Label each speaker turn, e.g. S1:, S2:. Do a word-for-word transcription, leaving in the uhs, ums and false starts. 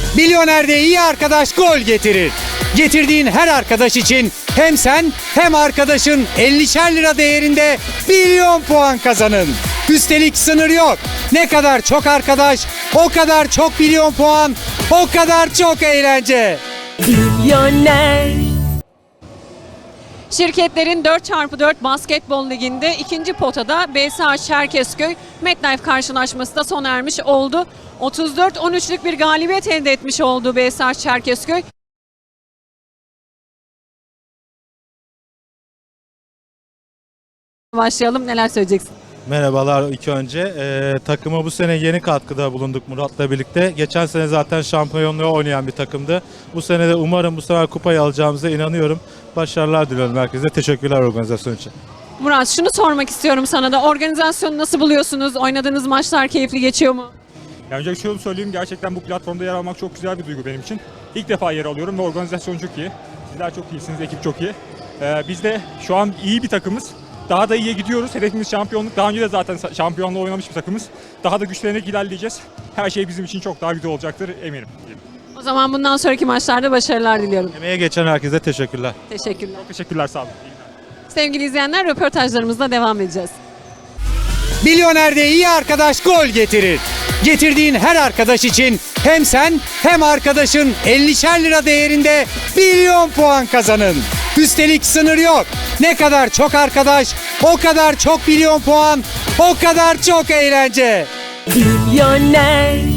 S1: Milyoner'de iyi arkadaş gol getirir. Getirdiğin her arkadaş için hem sen hem arkadaşın ellişer lira değerinde milyon puan kazanın. Üstelik sınır yok. Ne kadar çok arkadaş, o kadar çok milyon puan, o kadar çok eğlence.
S2: Milyoner.
S3: Şirketlerin dört çarpı dört basketbol liginde ikinci potada B S H Çerkezköy MetLife karşılaşması da sona ermiş oldu. otuz dört on üçlük bir galibiyet elde etmiş oldu B S H Çerkezköy. Başlayalım, neler söyleyeceksin?
S4: Merhabalar ilk önce. Ee, takıma bu sene yeni katkıda bulunduk Murat'la birlikte. Geçen sene zaten şampiyonluğu oynayan bir takımdı. Bu sene de umarım bu sefer kupayı alacağımıza inanıyorum. Başarılar diliyorum herkese. Teşekkürler organizasyon için.
S3: Murat, şunu sormak istiyorum sana da. Organizasyonu nasıl buluyorsunuz? Oynadığınız maçlar keyifli geçiyor mu?
S5: Ya önce şunu söyleyeyim, gerçekten bu platformda yer almak çok güzel bir duygu benim için. İlk defa yer alıyorum ve organizasyon çok iyi. Sizler çok iyisiniz, ekip çok iyi. Ee, biz de şu an iyi bir takımız. Daha da iyiye gidiyoruz. Hedefimiz şampiyonluk. Daha önce de zaten şampiyonluğu oynamış bir takımız. Daha da güçlenerek ilerleyeceğiz. Her şey bizim için çok daha güzel olacaktır eminim.
S3: O zaman bundan sonraki maçlarda başarılar diliyorum.
S4: Emeğe geçen herkese teşekkürler.
S3: Teşekkürler.
S5: Teşekkürler, sağ olun.
S3: Sevgili izleyenler, röportajlarımızla devam edeceğiz.
S1: Milyoner'de iyi arkadaş gol getirir. Getirdiğin her arkadaş için hem sen hem arkadaşın ellişer lira değerinde milyon puan kazanın. Üstelik sınır yok. Ne kadar çok arkadaş, o kadar çok milyon puan, o kadar çok eğlence.
S2: Milyoner.